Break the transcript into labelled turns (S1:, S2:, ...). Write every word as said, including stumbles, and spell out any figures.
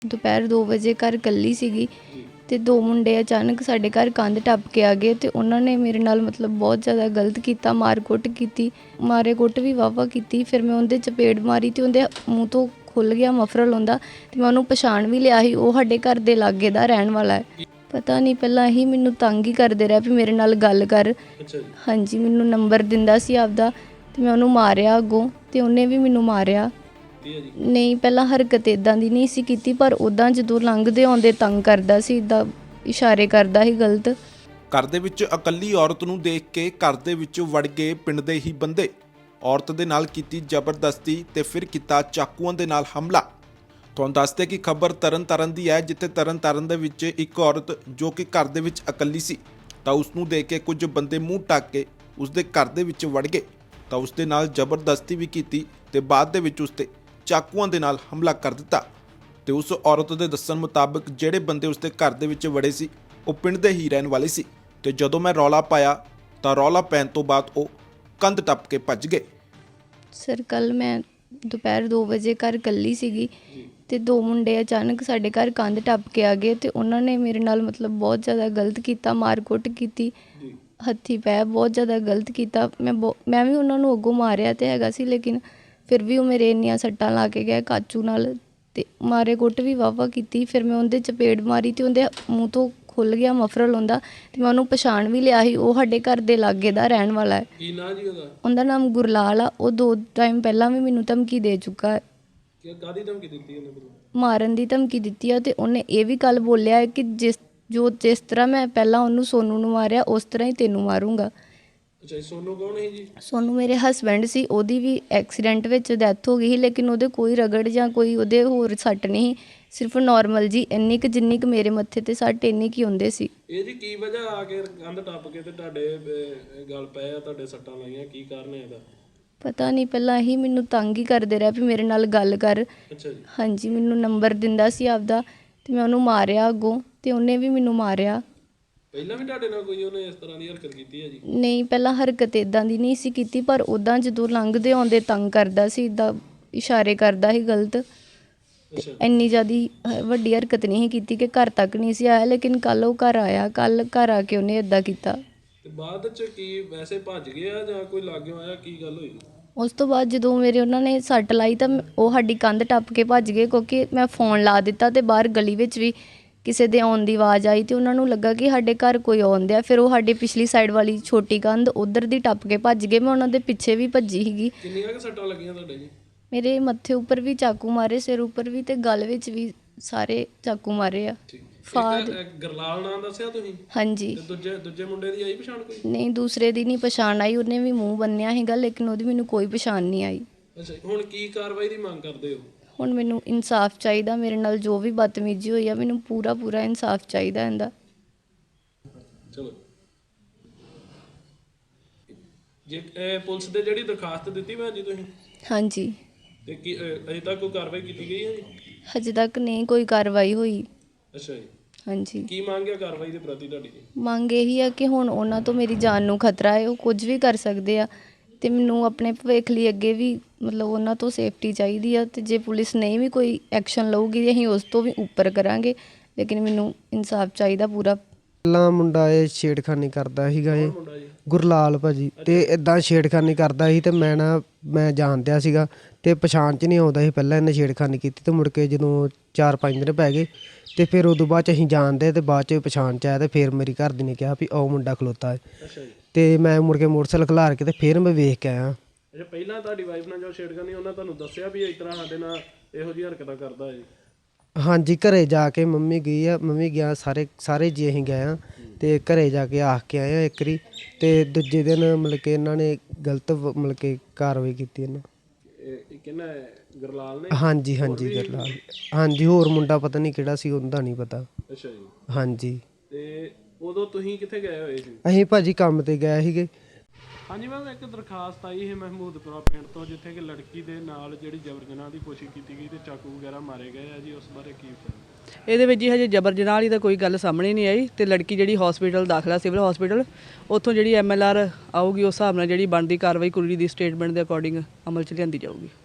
S1: ਦੁਪਹਿਰ ਦੋ ਵਜੇ ਘਰ ਇਕੱਲੀ ਸੀਗੀ ਤੇ ਦੋ ਮੁੰਡੇ ਅਚਾਨਕ ਸਾਡੇ ਘਰ ਕੰਧ ਟੱਪ ਕੇ ਆ ਗਏ ਤੇ ਉਹਨਾਂ ਨੇ ਮੇਰੇ ਨਾਲ ਮਤਲਬ ਬਹੁਤ ਜ਼ਿਆਦਾ ਗਲਤ ਕੀਤਾ, ਮਾਰ ਕੁੱਟ ਕੀਤੀ, ਮਾਰੇ ਕੁੱਟ ਵੀ ਵਾਹਵਾ ਕੀਤੀ। ਫਿਰ ਮੈਂ ਉਹਦੇ ਚਪੇੜ ਮਾਰੀ ਤੇ ਉਹਦੇ ਮੂੰਹ ਤੋਂ ਖੁੱਲ੍ਹ ਗਿਆ ਮਫਰਲ ਹੁੰਦਾ ਤੇ ਮੈਂ ਉਹਨੂੰ ਪਛਾਣ ਵੀ ਲਿਆ ਸੀ, ਉਹ ਸਾਡੇ ਘਰ ਦੇ ਲਾਗੇ ਦਾ ਰਹਿਣ ਵਾਲਾ ਹੈ। ਪਤਾ ਨਹੀਂ, ਪਹਿਲਾਂ ਹੀ ਮੈਨੂੰ ਤੰਗ ਹੀ ਕਰਦੇ ਰਿਹਾ ਵੀ ਮੇਰੇ ਨਾਲ ਗੱਲ ਕਰ। ਹਾਂਜੀ, ਮੈਨੂੰ ਨੰਬਰ ਦਿੰਦਾ ਸੀ ਆਪਦਾ ਤੇ ਮੈਂ ਉਹਨੂੰ ਮਾਰਿਆ ਅੱਗੋਂ ਤੇ ਉਹਨੇ ਵੀ ਮੈਨੂੰ ਮਾਰਿਆ। ਨਹੀਂ, ਪਹਿਲਾਂ ਹਰਕਤ ਇੱਦਾਂ ਦੀ ਨਹੀਂ ਸੀ ਕੀਤੀ, ਪਰ ਉੱਦਾਂ ਜਦੋਂ ਲੰਘਦੇ ਆਉਂਦੇ ਤੰਗ ਕਰਦਾ ਸੀ, ਇੱਦਾਂ ਇਸ਼ਾਰੇ ਕਰਦਾ ਸੀ ਗਲਤ।
S2: ਘਰ ਦੇ ਵਿੱਚ ਇਕੱਲੀ ਔਰਤ ਨੂੰ ਦੇਖ ਕੇ ਘਰ ਦੇ ਵਿੱਚ ਵੜ ਗਏ ਪਿੰਡ ਦੇ ਹੀ ਬੰਦੇ। ਔਰਤ ਦੇ ਨਾਲ ਕੀਤੀ ਜ਼ਬਰਦਸਤੀ ਤੇ ਫਿਰ ਕੀਤਾ ਚਾਕੂਆਂ ਦੇ ਨਾਲ ਹਮਲਾ। ਤੁਹਾਨੂੰ ਦੱਸਦੇ ਕਿ ਖਬਰ ਤਰਨ ਤਾਰਨ ਦੀ ਹੈ, ਜਿੱਥੇ ਤਰਨ ਤਾਰਨ ਦੇ ਵਿੱਚ ਇੱਕ ਔਰਤ ਜੋ ਕਿ ਘਰ ਦੇ ਵਿੱਚ ਇਕੱਲੀ ਸੀ ਤਾਂ ਉਸ ਨੂੰ ਦੇਖ ਕੇ ਕੁਝ ਬੰਦੇ ਮੂੰਹ ਢੱਕ ਕੇ ਉਸ ਦੇ ਘਰ ਦੇ ਵਿੱਚ ਵੜ ਗਏ ਤਾਂ ਉਸ ਦੇ ਨਾਲ ਜ਼ਬਰਦਸਤੀ ਵੀ ਕੀਤੀ ਤੇ ਬਾਅਦ ਦੇ ਵਿੱਚ ਉਸ ਤੇ ਚਾਕੂਆਂ ਦੇ ਨਾਲ ਹਮਲਾ ਕਰ ਦਿੱਤਾ। ਤੇ ਉਸ ਔਰਤ ਦੇ ਦੱਸਣ ਮੁਤਾਬਕ ਜਿਹੜੇ ਬੰਦੇ ਉਸ ਦੇ ਘਰ ਦੇ ਵਿੱਚ ਵੜੇ ਸੀ ਉਹ ਪਿੰਡ ਦੇ ਹੀ ਰਹਿਣ ਵਾਲੇ ਸੀ ਤੇ ਜਦੋਂ ਮੈਂ ਰੌਲਾ ਪਾਇਆ ਤਾਂ ਰੌਲਾ ਪੈਣ ਤੋਂ ਬਾਅਦ ਉਹ ਕੰਧ ਟੱਪ ਕੇ ਭੱਜ ਗਏ।
S1: ਸਰ, ਕੱਲ੍ਹ ਮੈਂ ਦੁਪਹਿਰ ਦੋ ਵਜੇ ਘਰ ਇਕੱਲੀ ਸੀਗੀ ਤੇ ਦੋ ਮੁੰਡੇ ਅਚਾਨਕ ਸਾਡੇ ਘਰ ਕੰਧ ਟੱਪ ਕੇ ਆ ਗਏ ਤੇ ਉਹਨਾਂ ਨੇ ਮੇਰੇ ਨਾਲ ਮਤਲਬ ਬਹੁਤ ਜ਼ਿਆਦਾ ਗਲਤ ਕੀਤਾ, ਮਾਰ ਕੁੱਟ ਕੀਤੀ, ਹੱਥੀਂ ਪੈ ਬਹੁਤ ਜ਼ਿਆਦਾ ਗਲਤ ਕੀਤਾ। ਮੈਂ ਬਹੁ ਮੈਂ ਵੀ ਉਹਨਾਂ ਨੂੰ ਅੱਗੋਂ ਮਾਰਿਆ ਤੇ ਹੈਗਾ ਸੀ, ਲੇਕਿਨ ਫਿਰ ਵੀ ਉਹ ਮੇਰੇ ਇੰਨੀਆਂ ਸੱਟਾਂ ਲਾ ਕੇ ਗਏ ਕਾਚੂ ਨਾਲ ਤੇ ਮਾਰੇ ਕੁੱਟ ਵੀ ਵਾਹਵਾ ਕੀਤੀ। ਫਿਰ ਮੈਂ ਉਹਦੇ ਚਪੇੜ ਮਾਰੀ ਤੇ ਉਹਦੇ ਮੂੰਹ ਤੋਂ ਖੁੱਲ੍ਹ ਗਿਆ ਮਫਰਲ ਹੁੰਦਾ ਤੇ ਮੈਂ ਉਹਨੂੰ ਪਛਾਣ ਵੀ ਲਿਆ ਸੀ, ਉਹ ਸਾਡੇ ਘਰ ਦੇ ਲਾਗੇ ਦਾ ਰਹਿਣ ਵਾਲਾ ਹੈ।
S3: ਕੀ ਨਾਂ ਜੀ ਉਹਦਾ?
S1: ਉਹਦਾ ਨਾਮ ਗੁਰਲਾਲ ਆ। ਉਹ ਦੋ ਟਾਈਮ ਪਹਿਲਾਂ ਵੀ ਮੈਨੂੰ ਧਮਕੀ ਦੇ ਚੁੱਕਾ ਹੈ।
S3: ਕਾਹਦੀ ਧਮਕੀ ਦਿੱਤੀ ਉਹਨੇ?
S1: ਮਾਰਨ ਦੀ ਧਮਕੀ ਦਿੱਤੀ ਆ ਤੇ ਉਹਨੇ ਇਹ ਵੀ ਕੱਲ੍ਹ ਬੋਲਿਆ ਹੈ ਕਿ ਜਿਸ ਜੋ ਜਿਸ ਤਰ੍ਹਾਂ ਮੈਂ ਪਹਿਲਾਂ ਉਹਨੂੰ ਸੋਨੂ ਨੂੰ ਮਾਰਿਆ ਉਸ ਤਰ੍ਹਾਂ ਹੀ ਤੈਨੂੰ ਮਾਰੂੰਗਾ।
S3: ਅੱਛਾ, ਸੋਨੂ ਕੌਣ ਹੈ ਜੀ?
S1: ਸੋਨੂ ਮੇਰੇ ਹਸਬੈਂਡ ਸੀ, ਉਹਦੀ ਵੀ ਐਕਸੀਡੈਂਟ ਵਿੱਚ ਡੈਥ ਹੋ ਗਈ ਸੀ, ਲੇਕਿਨ ਉਹਦੇ ਕੋਈ ਰਗੜ ਜਾਂ ਕੋਈ ਉਹਦੇ ਹੋਰ ਸੱਟ ਨਹੀਂ, ਸਿਰਫ ਨੋਰਮਲ ਜੀ ਇੰਨੀ ਕੁ ਜਿੰਨੀ ਕੁ ਮੇਰੇ ਮੱਥੇ ਤੇ ਸੱਟ ਇੰਨੀ ਕੀ ਹੁੰਦੇ ਸੀ।
S3: ਇਹ ਜੀ ਕੀ ਵਜ੍ਹਾ ਆ ਕੇ ਕੰਧ ਟੱਪ ਕੇ ਤੇ ਤੁਹਾਡੇ ਗਲ ਪਏ ਆ, ਤੁਹਾਡੇ ਸੱਟਾਂ ਲਾਈਆਂ, ਕੀ ਕਾਰਨ ਹੈ ਇਹਦਾ?
S1: ਪਤਾ ਨਹੀਂ, ਪਹਿਲਾਂ ਹੀ ਮੈਨੂੰ ਤੰਗ ਹੀ ਕਰਦੇ ਰਿਹਾ ਵੀ ਮੇਰੇ ਨਾਲ ਗੱਲ ਕਰ।
S3: ਅੱਛਾ ਜੀ।
S1: ਹਾਂਜੀ, ਮੈਨੂੰ ਨੰਬਰ ਦਿੰਦਾ ਸੀ ਆਪਦਾ ਤੇ ਮੈਂ ਉਹਨੂੰ ਮਾਰਿਆ ਅੱਗੋਂ ਤੇ ਉਹਨੇ ਵੀ ਮੈਨੂੰ ਮਾਰਿਆ।
S3: ਪਹਿਲਾਂ ਵੀ ਤੁਹਾਡੇ ਨਾਲ ਕੋਈ ਉਹਨੇ ਇਸ ਤਰ੍ਹਾਂ ਦੀ ਹਰਕਤ ਕੀਤੀ ਹੈ ਜੀ?
S1: ਨਹੀਂ, ਪਹਿਲਾਂ ਹਰਕਤ ਇੱਦਾਂ ਦੀ ਨਹੀਂ ਸੀ ਕੀਤੀ, ਪਰ ਉੱਦਾਂ ਜਦੋਂ ਲੰਘਦੇ ਆਉਂਦੇ ਤੰਗ ਕਰਦਾ ਸੀ, ਇੱਦਾਂ ਇਸ਼ਾਰੇ ਕਰਦਾ ਸੀ ਗਲਤ। ਇੰਨੀ ਜ਼ਿਆਦਾ ਵੱਡੀ ਹਰਕਤ ਨਹੀਂ ਸੀ ਕੀਤੀ ਕਿ ਘਰ ਤੱਕ ਨਹੀਂ ਸੀ ਆਇਆ, ਲੇਕਿਨ ਕੱਲ੍ਹ ਉਹ ਘਰ ਆਇਆ। ਕੱਲ੍ਹ ਘਰ ਆ ਕੇ ਉਹਨੇ ਇੱਦਾਂ ਕੀਤਾ।
S3: ਤੇ ਬਾਅਦ 'ਚ ਕੀ ਵੈਸੇ ਭੱਜ ਗਿਆ ਜਾਂ ਕੋਈ ਲਾਗਿਓ ਆਇਆ, ਕੀ ਗੱਲ ਹੋਈ?
S1: ਉਸ ਤੋਂ ਬਾਅਦ ਜਦੋਂ ਮੇਰੇ ਉਹਨਾਂ ਨੇ ਸੱਟ ਲਾਈ ਤਾਂ ਉਹ ਸਾਡੀ ਕੰਧ ਟੱਪ ਕੇ ਭੱਜ ਗਏ, ਕਿਉਂਕਿ ਮੈਂ ਫੋਨ ਲਾ ਦਿੱਤਾ ਤੇ ਬਾਹਰ ਗਲੀ ਵਿੱਚ ਵੀ ਕਿਸੇ ਦੇ ਆਉਣ ਦੀ ਆਵਾਜ਼ ਆਈ ਤੇ ਉਹਨਾਂ ਨੂੰ ਲੱਗਾ ਕਿ ਸਾਡੇ ਘਰ ਕੋਈ ਆਉਂਦਾ। ਫਿਰ ਉਹ ਸਾਡੀ ਪਿਛਲੀ ਸਾਈਡ ਵਾਲੀ ਛੋਟੀ ਕੰਧ ਉੱਧਰ ਦੀ ਟੱਪ ਕੇ ਭੱਜ ਗਏ। ਮੈਂ ਉਹਨਾਂ ਦੇ ਪਿੱਛੇ ਵੀ ਭੱਜੀ ਸੀਗੀ।
S3: ਕਿੰਨੀਆਂ ਕੁ ਸੱਟਾਂ ਲੱਗੀਆਂ ਤੁਹਾਡੇ ਜੀ?
S1: ਮੇਰੇ ਮੱਥੇ ਉੱਪਰ ਵੀ ਚਾਕੂ ਮਾਰੇ, ਸਿਰ ਉੱਪਰ ਵੀ ਤੇ ਗਲ ਵਿੱਚ ਵੀ ਸਾਰੇ ਚਾਕੂ ਮਾਰੇ ਆ। ਫਾਦ
S3: ਗੁਰਲਾਲ ਨਾਂ ਦੱਸਿਆ ਤੁਸੀਂ?
S1: ਹਾਂਜੀ।
S3: ਤੇ ਦੂਜੇ ਦੂਜੇ ਮੁੰਡੇ ਦੀ ਆਈ ਪਛਾਣ ਕੋਈ?
S1: ਨਹੀਂ, ਦੂਸਰੇ ਦੀ ਨਹੀਂ ਪਛਾਣ ਆਈ, ਉਹਨੇ ਵੀ ਮੂੰਹ ਬੰਨਿਆ ਸੀਗਾ, ਲੇਕਿਨ ਉਹਦੀ ਮੈਨੂੰ ਕੋਈ ਪਛਾਣ ਨਹੀਂ ਆਈ।
S3: ਅੱਛਾ, ਹੁਣ ਕੀ ਕਾਰਵਾਈ ਦੀ ਮੰਗ ਕਰਦੇ ਹੋ?
S1: ਹੁਣ ਮੈਨੂੰ ਇਨਸਾਫ ਚਾਹੀਦਾ। ਮੇਰੇ ਨਾਲ ਜੋ ਵੀ ਬਦਤਮੀਜ਼ੀ ਹੋਈ ਆ, ਮੈਨੂੰ ਪੂਰਾ ਪੂਰਾ ਇਨਸਾਫ ਚਾਹੀਦਾ ਇਹਦਾ।
S3: ਚਲੋ ਜੇ ਪੁਲਿਸ ਦੇ ਜਿਹੜੀ ਦਰਖਾਸਤ ਦਿੱਤੀ ਭੈਣ ਜੀ ਤੁਸੀਂ? ਹਾਂਜੀ। ਤੇ ਕੀ ਅਜੇ ਤੱਕ ਕੋਈ ਕਾਰਵਾਈ ਕੀਤੀ ਗਈ ਹੈ ਜੀ?
S1: ਹਜੇ ਤੱਕ ਨਹੀਂ ਕੋਈ ਕਾਰਵਾਈ ਹੋਈ।
S3: ਅੱਛਾ ਜੀ।
S1: ਹਾਂਜੀ।
S3: ਕੀ ਮੰਗ ਹੈ ਕਾਰਵਾਈ ਦੇ ਪ੍ਰਤੀ ਤੁਹਾਡੀ?
S1: ਮੰਗ ਇਹੀ ਆ ਕਿ ਹੁਣ ਉਹਨਾਂ ਤੋਂ ਮੇਰੀ ਜਾਨ ਨੂੰ ਖਤਰਾ ਹੈ, ਉਹ ਕੁਝ ਵੀ ਕਰ ਸਕਦੇ ਆ ਤੇ ਮੈਨੂੰ ਆਪਣੇ ਭਵਿੱਖ ਲਈ ਅੱਗੇ ਵੀ ਮਤਲਬ ਉਹਨਾਂ ਤੋਂ ਸੇਫਟੀ ਚਾਹੀਦੀ ਆ। ਤੇ ਜੇ ਪੁਲਿਸ ਨਹੀਂ ਵੀ ਕੋਈ ਐਕਸ਼ਨ ਲਊਗੀ ਅਸੀਂ ਉਸ ਤੋਂ ਵੀ ਉੱਪਰ ਕਰਾਂਗੇ, ਲੇਕਿਨ ਮੈਨੂੰ ਇਨਸਾਫ ਚਾਹੀਦਾ ਪੂਰਾ।
S4: ਪਹਿਲਾਂ ਮੁੰਡਾ ਇਹ ਛੇੜਖਾਨੀ ਕਰਦਾ ਸੀਗਾ, ਇਹ ਗੁਰਲਾਲ ਭਾਜੀ, ਤੇ ਇੱਦਾਂ ਛੇੜਖਾਨੀ ਕਰਦਾ ਸੀ ਤੇ ਮੈਂ ਨਾ ਮੈਂ ਜਾਣਦਿਆ ਸੀਗਾ ਤੇ ਪਛਾਣ 'ਚ ਨਹੀਂ ਆਉਂਦਾ ਸੀ। ਪਹਿਲਾਂ ਇਹਨੇ ਛੇੜਖਾਨੀ ਕੀਤੀ ਤੇ ਮੁੜ ਕੇ ਜਦੋਂ ਚਾਰ ਪੰਜ ਦਿਨ ਪੈ ਗਏ ਤੇ ਫਿਰ ਉਦੋਂ ਬਾਅਦ 'ਚ ਅਸੀਂ ਜਾਣਦੇ ਤੇ ਬਾਅਦ 'ਚ ਪਛਾਣ 'ਚ ਆਇਆ ਤੇ ਫਿਰ ਮੇਰੀ ਘਰ ਦੀ ਨੇ ਕਿਹਾ ਵੀ ਉਹ ਮੁੰਡਾ ਖਲੋਤਾ ਹੈ ਤੇ ਮੈਂ ਮੁੜ ਕੇ ਮੋਟਰਸਾਈਕਲ ਖਿਲਾਰ ਕੇ ਤੇ ਫਿਰ ਮੈਂ ਵੇਖ ਕੇ ਆਇਆ।
S3: ਅੱਛਾ, ਪਹਿਲਾਂ ਤੁਹਾਡੀ ਵਾਈਫ ਨਾਲ ਜੋ ਛੇੜਖਾਨੀ ਉਹਨਾਂ ਤੁਹਾਨੂੰ ਦੱਸਿਆ ਵੀ ਇਸ ਤਰ੍ਹਾਂ ਸਾਡੇ ਨਾਲ ਇਹੋ ਜਿਹੀ ਹਰਕਤਾਂ ਕਰਦਾ ਹੈ?
S4: ਹਾਂਜੀ, ਘਰੇ ਜਾ ਕੇ ਮੰਮੀ ਗਈ ਆ, ਮੰਮੀ ਗਿਆ, ਸਾਰੇ ਸਾਰੇ ਜੀ ਅਸੀਂ ਗਏ ਹਾਂ ਤੇ ਘਰੇ ਜਾ ਕੇ ਆਖ ਕੇ ਆਏ ਹਾਂ ਇੱਕ ਵਾਰੀ ਤੇ ਦੂਜੇ ਦਿਨ ਮਤਲਬ ਕਿ ਇਹਨਾਂ ਨੇ ਗਲਤ ਮਤਲਬ ਕਿ ਕਾਰਵਾਈ ਕੀਤੀ ਇਹਨਾਂ।
S3: ਕਿਹਨਾਂ? ਗੁਰਲਾਲ ਨੇ?
S4: ਹਾਂਜੀ ਹਾਂਜੀ, ਗੁਰਲਾਲ। ਹਾਂਜੀ, ਹੋਰ ਮੁੰਡਾ ਪਤਾ ਨਹੀਂ ਕਿਹੜਾ ਸੀ, ਉਹਦਾ ਨਹੀਂ ਪਤਾ।
S3: ਅੱਛਾ ਜੀ।
S4: ਹਾਂਜੀ।
S3: ਤੇ ਉਦੋਂ ਤੁਸੀਂ ਕਿੱਥੇ ਗਏ ਹੋਏ ਸੀ?
S4: ਅਸੀਂ ਭਾਜੀ ਕੰਮ ਤੇ ਗਏ ਸੀਗੇ।
S3: ਹਾਂਜੀ ਮੈਮ, ਇੱਕ ਦਰਖਾਸਤ ਆਈ ਹੈ ਮਹਿਮੂਦਪੁਰਾ ਪਿੰਡ ਤੋਂ, ਜਿੱਥੇ ਕਿ ਲੜਕੀ ਦੇ ਨਾਲ ਜਿਹੜੀ ਜਬਰ ਜਨਾਹ ਦੀ ਕੋਸ਼ਿਸ਼ ਕੀਤੀ ਗਈ ਤੇ ਚਾਕੂ ਵਗੈਰਾ ਮਾਰੇ ਗਏ ਆ ਜੀ, ਉਸ ਬਾਰੇ ਕੀ ਪਤਾ?
S5: ਇਹਦੇ ਵਿੱਚ ਜੀ ਹਜੇ ਜਬਰ ਜਨਾਹ ਵਾਲੀ ਤਾਂ ਕੋਈ ਗੱਲ ਸਾਹਮਣੇ ਨਹੀਂ ਆਈ ਤੇ ਲੜਕੀ ਜਿਹੜੀ ਹਸਪੀਟਲ ਦਾਖਲਾ, ਸਿਵਲ ਹਸਪੀਟਲ, ਉੱਥੋਂ ਜਿਹੜੀ ਐਮ ਐਲ ਆਰ ਆਊਗੀ ਉਸ ਹਿਸਾਬ ਨਾਲ ਜਿਹੜੀ ਬਣਦੀ ਕਾਰਵਾਈ ਕੁੜੀ ਦੀ ਸਟੇਟਮੈਂਟ ਦੇ ਅਕੋਰਡਿੰਗ ਅਮਲ 'ਚ ਲਿਆਂਦੀ ਜਾਊਗੀ।